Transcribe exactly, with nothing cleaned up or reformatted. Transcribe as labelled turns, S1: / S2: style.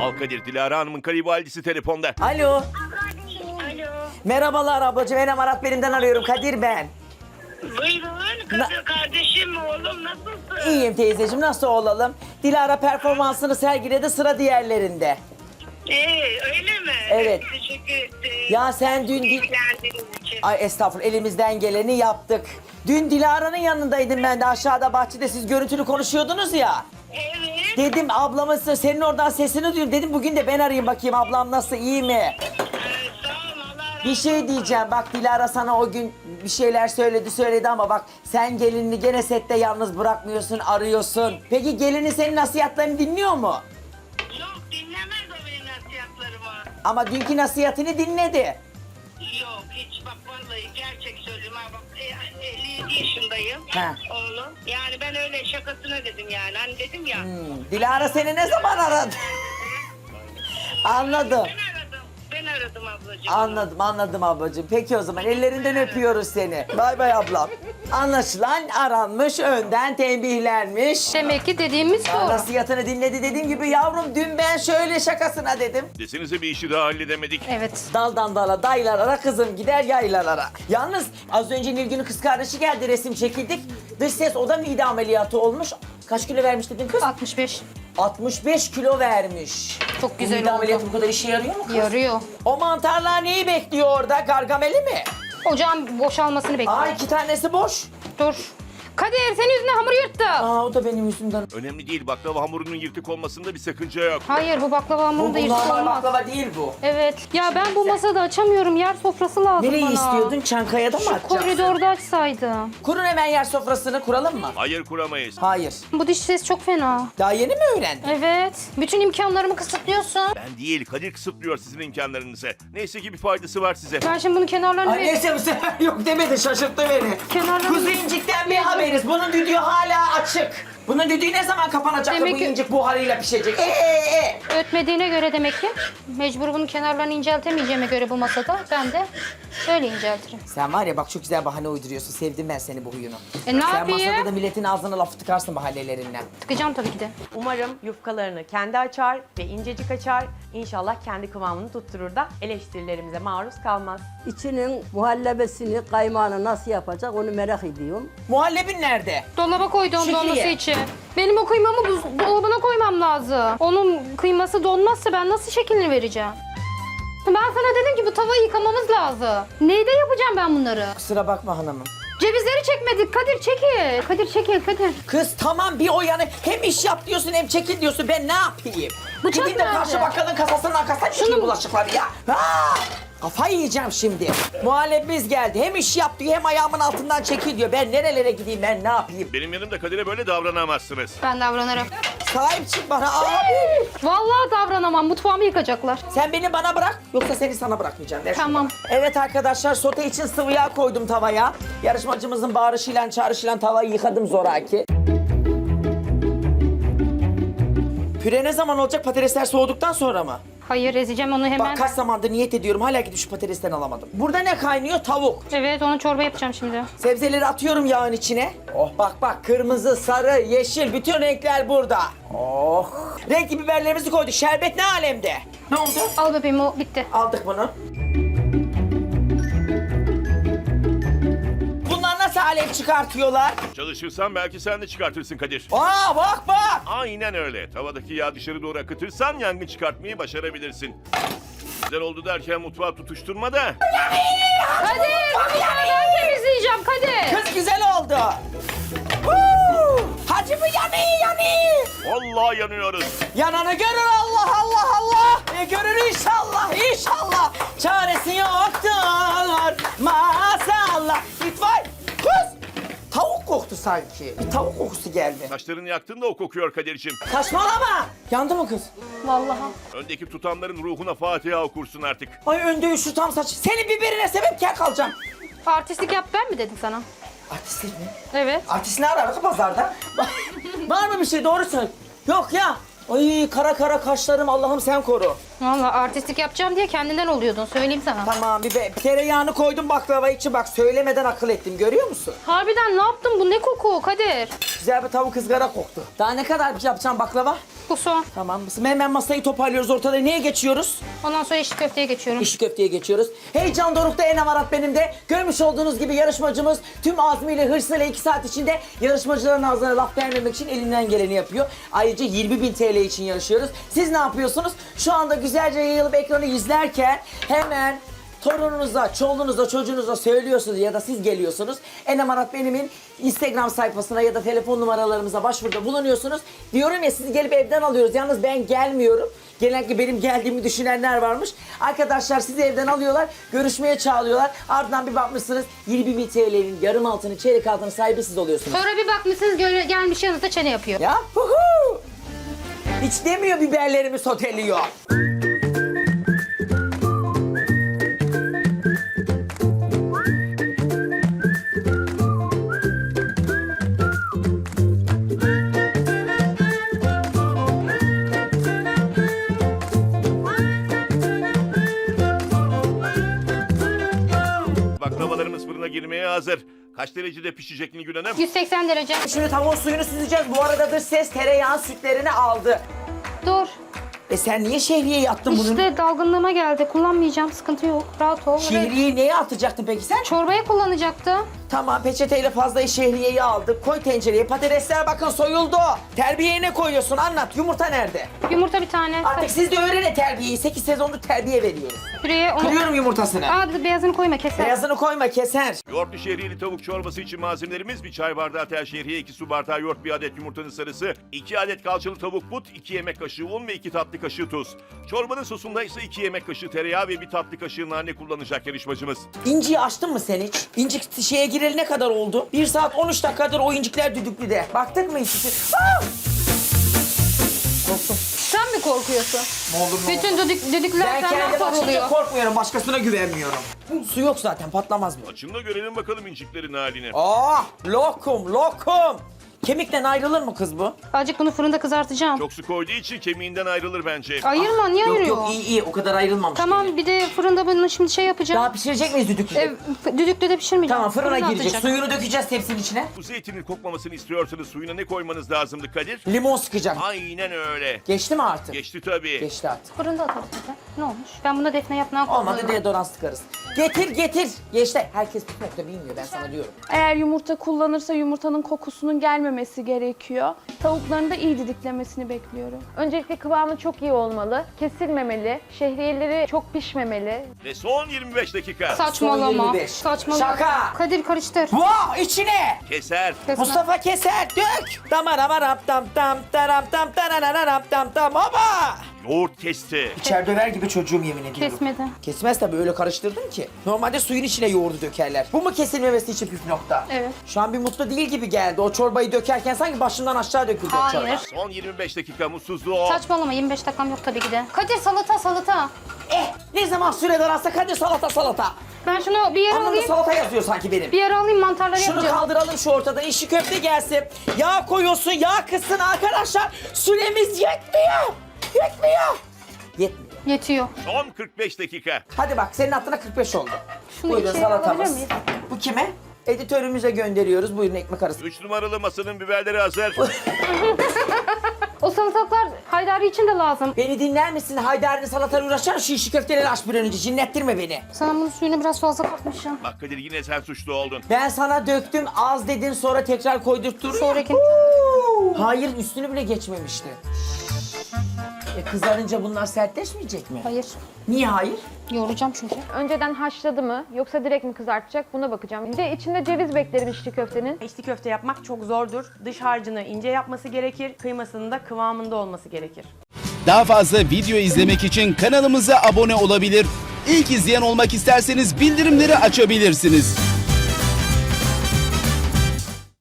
S1: Al Kadir, Dilara Hanım'ın kayınvalidesi telefonda.
S2: Alo.
S3: Alo.
S2: Merhabalar ablacığım. Enem Arat Belim'den arıyorum. Kadir ben.
S3: Buyurun kızım, kardeşim, oğlum nasılsın?
S2: İyiyim teyzeciğim. Nasıl olalım? Dilara performansını sergiledi, sıra diğerlerinde.
S3: Ee, öyle mi?
S2: Evet.
S3: Teşekkür ederim.
S2: Ya sen dün... Di-
S3: İlgilendiğiniz için.
S2: Ay estağfurullah, elimizden geleni yaptık. Dün Dilara'nın yanındaydım ben de, aşağıda bahçede siz görüntülü konuşuyordunuz ya.
S3: Evet.
S2: Dedim ablamın senin oradan sesini duyuyorum. Dedim bugün de ben arayayım bakayım ablam nasıl, iyi mi?
S3: Ee, sağ ol, Allah razı
S2: Bir şey
S3: olsun.
S2: diyeceğim, bak Dilara sana o gün bir şeyler söyledi söyledi ama bak sen gelinini gene sette yalnız bırakmıyorsun, arıyorsun. Peki gelini senin nasihatlerini dinliyor mu?
S3: Yok, dinlemez o benim nasihatlarımı.
S2: Ama dünkü nasihatini dinledi.
S3: Yok, hiç bak vallahi gerçek söylüyorum ha bak, e, elli yedi yaşındayım
S2: Ha.
S3: oğlum. Yani ben öyle şakasına dedim yani, hani dedim ya.
S2: Hmm, Dilara seni ne zaman aradı? Anladım.
S3: Ben aradım, ben aradım ablacığım.
S2: Anladım, anladım ablacığım. Peki o zaman ellerinden öpüyoruz seni. Bay bay ablam. Anlaşılan aranmış, önden tembihlenmiş.
S4: Demek ki dediğimiz doğru.
S2: Nasihatını dinledi, dediğim gibi yavrum dün ben şöyle şakasına dedim.
S1: Desenize bir işi daha halledemedik.
S4: Evet.
S2: Daldan dala daylarara kızım gider yaylalara. Yalnız az önce Nilgün'ün kız kardeşi geldi, resim çekildik. Dış ses, o da mide ameliyatı olmuş. Kaç kilo vermiş dedin kız?
S4: altmış beş.
S2: altmış beş kilo vermiş.
S4: Çok
S2: Bu
S4: güzel
S2: mide
S4: oldu.
S2: ameliyatı bu kadar işe yarıyor mu kız?
S4: Yarıyor.
S2: O mantarlar neyi bekliyor orada? Gargameli mi?
S4: Ocağın boşalmasını bekliyor.
S2: Aa, iki tanesi boş.
S4: Dur. Kadir senin yüzünden hamur yırttı.
S2: Aa, o da benim yüzümden.
S1: Önemli değil, baklava hamurunun yırtık olmasında bir sakınca yok.
S4: Hayır bu baklava
S2: Bu
S4: hamurunda yırtık
S2: normal
S4: olmaz.
S2: baklava değil bu.
S4: Evet. Ya ben bu masada açamıyorum. Yer sofrası lazım
S2: Nereyi
S4: bana.
S2: istiyordun? Çankaya'da mı
S4: Şu
S2: açacaksın?
S4: koridorda açsaydım.
S2: Kurun hemen yer sofrasını, kuralım mı?
S1: Hayır, kuramayız.
S2: Hayır.
S4: Bu diş ses çok fena.
S2: Daha yeni mi öğrendin?
S4: Evet. Bütün imkanlarımı kısıtlıyorsun.
S1: Ben değil, Kadir kısıtlıyor sizin imkanlarınızı. Neyse ki bir faydası var size.
S4: Ben şimdi bunun kenarlarını...
S2: Ay neyse bu sefer yok demedi, şaşırttı beni.
S4: Kenarlarını-
S2: Kuzu incikten bir haberiz. Bunun düdüğü hala açık. Bunun düdüğü ne zaman kapanacak da
S4: Demek
S2: bu
S4: ki-
S2: incik buharıyla pişecek? Ee, ee.
S4: Ötmediğine göre demek ki mecbur bunun kenarlarını inceltemeyeceğime göre bu masada ben de böyle inceltirim.
S2: Sen var ya bak çok güzel bahane uyduruyorsun. Sevdim ben seni bu huyunu.
S4: E, ne
S2: Sen
S4: yapayım?
S2: masada da milletin ağzına lafı tıkarsın mahallelerinden.
S4: Tıkacağım tabii ki de.
S5: Umarım yufkalarını kendi açar ve incecik açar. İnşallah kendi kıvamını tutturur da eleştirilerimize maruz kalmaz.
S6: İçinin muhallebesini, kaymağını nasıl yapacak onu merak ediyorum.
S2: Muhallebin nerede?
S4: Dolaba koydum
S2: Şükriye.
S4: donması için. Benim o kıymamı buzdolabına koymam lazım. Onun kıyması donmazsa ben nasıl şeklini vereceğim? Ben sana dedim ki bu tavayı yıkamamız lazım. Neyde yapacağım ben bunları?
S2: Kusura bakma hanımım.
S4: Cevizleri çekmedik. Kadir çekil. Kadir çekil Kadir.
S2: Kız tamam bir o yana hem iş yap diyorsun hem çekil diyorsun, ben ne yapayım?
S4: Bıçak
S2: Gideyim de
S4: nerede?
S2: karşı bakkalın kasasının arkasına çekeyim bulaşıkları ya. Ha! Kafayı yiyeceğim şimdi. Muhallebimiz geldi. Hem iş yap diyor hem ayağımın altından çekil diyor. Ben nerelere gideyim, ben ne yapayım?
S1: Benim yanımda Kadir'e böyle davranamazsınız.
S4: Ben davranırım.
S2: Sahip çık bana abi.
S4: Vallahi davranamam. Mutfağımı yıkacaklar.
S2: Sen beni bana bırak yoksa seni sana bırakmayacağım. Ver şunu
S4: Tamam.
S2: bana. Evet arkadaşlar, sote için sıvı yağ koydum tavaya. Yarışmacımızın bağırışıyla çağrışıyla tavayı yıkadım zoraki. Püre ne zaman olacak? Patatesler soğuduktan sonra mı?
S4: Hayır ezeceğim onu hemen.
S2: Bak kaç zamandır niyet ediyorum, hala gidip şu patatesten alamadım. Burada ne kaynıyor? Tavuk.
S4: Evet onu çorba yapacağım şimdi.
S2: Sebzeleri atıyorum yağın içine. Oh bak bak, kırmızı, sarı, yeşil bütün renkler burada. Oh. Renkli biberlerimizi koyduk. Şerbet ne alemde? Ne oldu?
S4: Al bebeğim o bitti.
S2: Aldık bunu. Bunlar nasıl alev çıkartıyorlar?
S1: Çalışırsan belki sen de çıkartırsın Kadir.
S2: Aa bak bak.
S1: Aynen öyle. Tavadaki yağ dışarı doğru akıtırsan yangın çıkartmayı başarabilirsin. Güzel oldu derken mutfağı tutuşturma da.
S4: Kadir bu bıçağı ben temizleyeceğim Kadir.
S2: Kız güzel oldu. Huu! Hacı mı yanıyor yanıyor?
S1: Vallahi yanıyoruz.
S2: Yananı görür Allah Allah Allah. E görür inşallah inşallah. Çaresi yoktur maazallah. İtfaiye. Kız. Tavuk koktu sanki. Bir tavuk kokusu geldi.
S1: Taşlarını yaktın da o kokuyor Kadir'ciğim.
S2: Saçmalama. Yandı mı kız?
S4: Vallahi.
S1: Öndeki tutanların ruhuna Fatiha okursun artık.
S2: Ay önde üçlü tam saç. Senin biberine sebep kel kalacağım.
S4: Artistlik yap ben mi dedim sana?
S2: Artistlik mi?
S4: Evet.
S2: Artist ne arar pazarda? Var mı bir şey, doğru söyle. Yok ya. Ay kara kara kaşlarım, Allah'ım sen koru.
S4: Vallahi artistlik yapacağım diye kendinden oluyordun söyleyeyim sana.
S2: Tamam bir, be, bir tereyağını koydum baklava için, bak söylemeden akıl ettim, görüyor musun?
S4: Harbiden ne yaptın bu ne koku Kadir?
S2: Güzel bir tavuk ızgara koktu. Daha ne kadar yapacağım baklava?
S4: Bu son.
S2: Tamam. Hemen masayı toparlıyoruz ortada. Neye geçiyoruz?
S4: Ondan sonra içli köfteye geçiyorum.
S2: İşi köfteye geçiyoruz. Heyecan dorukta, en amarat benim de. Görmüş olduğunuz gibi yarışmacımız tüm azmiyle, hırsıyla iki saat içinde yarışmacıların ağzına laf vermemek için elinden geleni yapıyor. Ayrıca yirmi bin T L için yarışıyoruz. Siz ne yapıyorsunuz? Şu anda güzelce yayılıp ekranı izlerken hemen torununuza, çoluğunuza, çocuğunuza söylüyorsunuz ya da siz geliyorsunuz. Enem Arat Benim'in Instagram sayfasına ya da telefon numaralarımıza başvuruda bulunuyorsunuz. Diyorum ya, sizi gelip evden alıyoruz. Yalnız ben gelmiyorum. Genellikle benim geldiğimi düşünenler varmış. Arkadaşlar sizi evden alıyorlar, görüşmeye çağırıyorlar. Ardından bir bakmışsınız yirmi bin T L'nin yarım altını, çeyrek altını sahibi siz oluyorsunuz.
S4: Sonra bir bakmışsınız göre- gelmiş yanınızda çene yapıyor.
S2: Ya huhu! Hiç demiyor biberlerimi soteliyor.
S1: Baklavalarımız fırına girmeye hazır. Kaç derecede pişecek Nilgün Hanım?
S4: yüz seksen derece.
S2: Şimdi tavuğun suyunu süzeceğiz. Bu arada dış ses tereyağın sütlerini aldı.
S4: Dur.
S2: E sen niye şehriyeyi attın bunun?
S4: İşte dalgınlığıma geldi. Kullanmayacağım. Sıkıntı yok. Rahat ol. Evet.
S2: Şehriyeyi neye atacaktın peki sen?
S4: Çorbaya kullanacaktım.
S2: Tamam, peçeteyle fazla şehriyeyi aldık. Koy tencereye. Patatesler bakın soyuldu. Terbiyeye ne koyuyorsun? Anlat. Yumurta nerede?
S4: Yumurta bir tane.
S2: Artık siz de öğrenin terbiyeyi. sekiz sezondur terbiye veriyoruz.
S4: Püreye onu...
S2: Kırıyorum yumurtasını.
S4: Aa, bir de beyazını koyma, keser.
S2: Beyazını koyma, keser.
S1: Yoğurtlu şehriyeli tavuk çorbası için malzemelerimiz: bir çay bardağı tel şehriye, iki su bardağı yoğurt, bir adet yumurtanın sarısı, iki adet kalçalı tavuk but, iki yemek kaşığı un ve iki tatlı kaşığı tuz. Çorbanın sosunda ise iki yemek kaşığı tereyağı ve bir tatlı kaşığı nane kullanacak yarışmacımız.
S2: İnciyi açtın mı sen hiç? İncik şeye gireli ne kadar oldu? bir saat on üç dakikadır o incikler düdüklüde. Baktık mı hiç? Aa! Korktum.
S4: Sen mi korkuyorsun?
S2: Ne olur ne
S4: Bütün düdük, düdükler
S2: Ben
S4: senden
S2: kendim açınca
S4: soruluyor.
S2: korkmuyorum, başkasına güvenmiyorum. Su yok zaten, patlamaz bu.
S1: Açın da görelim bakalım inciklerin halini.
S2: Aa, lokum, lokum. Kemikten ayrılır mı kız bu?
S4: Azıcık bunu fırında kızartacağım.
S1: Çok su koyduğu için kemiğinden ayrılır bence.
S4: Ayırma, niye
S2: Yok
S4: ayırıyor?
S2: yok, iyi iyi, o kadar ayrılmamış.
S4: Tamam, bir de fırında bunu şimdi şey yapacağım.
S2: Daha pişirecek miyiz düdüklüde?
S4: Ev, düdüklüde de pişirmeyeceğim.
S2: Tamam, fırına girecek.
S4: atacak.
S2: Suyunu dökeceğiz tepsinin içine.
S1: Bu zeytinin kokmamasını istiyorsanız suyuna ne koymanız lazımdı Kadir?
S2: Limon sıkacak.
S1: Aynen öyle.
S2: Geçti mi artık?
S1: Geçti tabii.
S2: Geçti artık.
S4: Fırında atarız zaten. Ne olmuş? Ben buna defne yapmaya
S2: Olmadı deodorant sıkarız. Getir getir. Geçti. Herkes bu nokta bilmiyor, ben sana diyorum.
S7: Eğer yumurta kullanırsa yumurtanın kokusunun gelmemesi gerekiyor. Tavukların da iyi didiklemesini bekliyorum.
S8: Öncelikle kıvamı çok iyi olmalı, kesilmemeli, şehriyeleri çok pişmemeli.
S1: Ve son yirmi beş dakika.
S4: Saçmalama.
S2: Son yirmi beş.
S4: Saçmalama.
S2: Şaka.
S4: Kadir karıştır.
S2: Wow, içine.
S1: Keser.
S4: Kesme.
S2: Mustafa keser, dök. Damaram tam tam taram tam tarararam tam tam baba.
S1: Yoğurt kesti.
S2: İçer döver gibi çocuğum, yemin ediyorum.
S4: Kesmedi.
S2: Kesmez tabii, öyle karıştırdım ki. Normalde suyun içine yoğurdu dökerler. Bu mu kesilmemesi için püf nokta?
S4: Evet.
S2: Şu an bir mutlu değil gibi geldi. O çorbayı dökerken sanki başından aşağı döküldü o çorba.
S4: Hayır.
S1: Son yirmi beş dakika mutsuzluğu.
S4: Saçmalama, yirmi beş dakikam yok tabii ki de. Kadir salata salata.
S2: Eh, ne zaman süre daralsa hadi salata salata.
S4: Ben şunu bir yere
S2: Anlamda
S4: alayım.
S2: salata yazıyor sanki benim.
S4: Bir yere alayım, mantarları
S2: Şunu
S4: yapacağım.
S2: kaldıralım şu ortadan. İşi köfte gelsin. Yağ koyuyorsun, yağ kızsın arkadaşlar. Süremiz yetmiyor. Yetmiyor. Yetmiyor.
S4: Yetiyor.
S1: Son kırk beş dakika.
S2: Hadi bak, senin hattına kırk beş oldu.
S4: Şunu
S2: Buyurun
S4: içeri alabilir
S2: salatamız.
S4: miyiz?
S2: Bu kime? Editörümüze gönderiyoruz. Buyurun ekmek arası.
S1: üç numaralı masanın biberleri hazır.
S4: O salatalıklar Haydari için de lazım.
S2: Beni dinler misin? Haydar'ın salatayla uğraşan şu işi köfteleri aç bir an önce. Cinnettirme beni.
S4: Sana bunun suyunu biraz fazla katmışım.
S1: Bak Kadir, yine sen suçlu oldun.
S2: Ben sana döktüm, az dedin, sonra tekrar koydurttur.
S4: Sonraki...
S2: Hayır, üstünü bile geçmemişti. E kızarınca bunlar sertleşmeyecek mi?
S4: Hayır.
S2: Niye hayır?
S4: Yoğuracağım çünkü.
S8: Önceden haşladı mı yoksa direkt mi kızartacak buna bakacağım. Bir de içinde ceviz beklerim içli köftenin.
S5: İçli köfte yapmak çok zordur. Dış harcını ince yapması gerekir, kıymasının da kıvamında olması gerekir.
S9: Daha fazla video izlemek için kanalımıza abone olabilir. İlk izleyen olmak isterseniz bildirimleri açabilirsiniz.